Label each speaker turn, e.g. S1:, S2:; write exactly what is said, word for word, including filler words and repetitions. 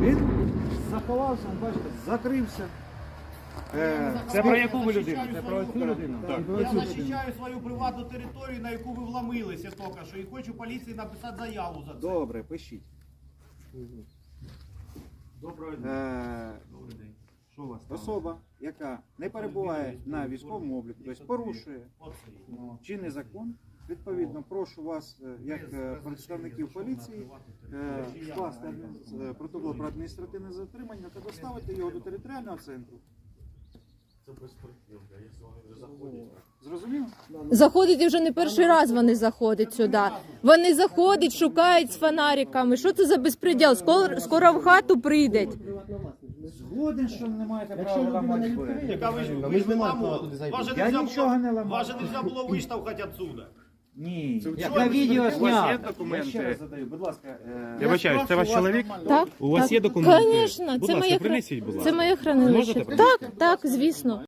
S1: Він заховався, бачите, закрився. Е,
S2: Це про яку ви людину?
S3: Це
S2: про цю людину?
S3: Так.
S4: Я захищаю свою приватну територію, на яку ви вломилися тільки що, і хочу поліції написати заяву за це.
S1: Добре, пишіть.
S4: Доброго дня.
S1: Е,
S4: Добрий день. Що у вас там?
S1: особа, яка не перебуває на військовому обліку, тобто порушує
S4: Оце.
S1: чинний закон, відповідно, прошу вас, е, як е, представників поліції, е, скласти адмін- е, протокол про адміністративне затримання та доставити його до територіального центру. Зрозуміло?
S5: Заходить і вже не перший раз вони заходять сюди. Вони заходять, шукають з фонариками. Що це за безпреділ? Скоро, скоро в хату прийдуть.
S1: Згоден, що не маєте права ламати двері.
S4: Яка ви ж
S3: Ми ж не маємо права туди зайти.
S4: Вас же
S1: Я
S4: нельзя
S1: нічого
S4: було-
S1: не ламав.
S4: Вас же нельзя було виштовхати отсюда.
S1: Ні.
S3: Я
S4: Чого
S3: на
S4: ви
S3: відео
S4: стоїте?
S1: Я ще раз
S2: документи?
S1: задаю, будь ласка. е,
S2: Я вибачаюсь, це ваш чоловік?
S5: Так?
S2: У вас
S5: так.
S2: є документи?
S5: Звісно,
S2: Будь
S5: це
S2: ласка,
S5: моє,
S2: принесіть, будь
S5: це
S2: ласка.
S5: моє хранилище.
S2: Можете принести?
S5: Так, так, звісно.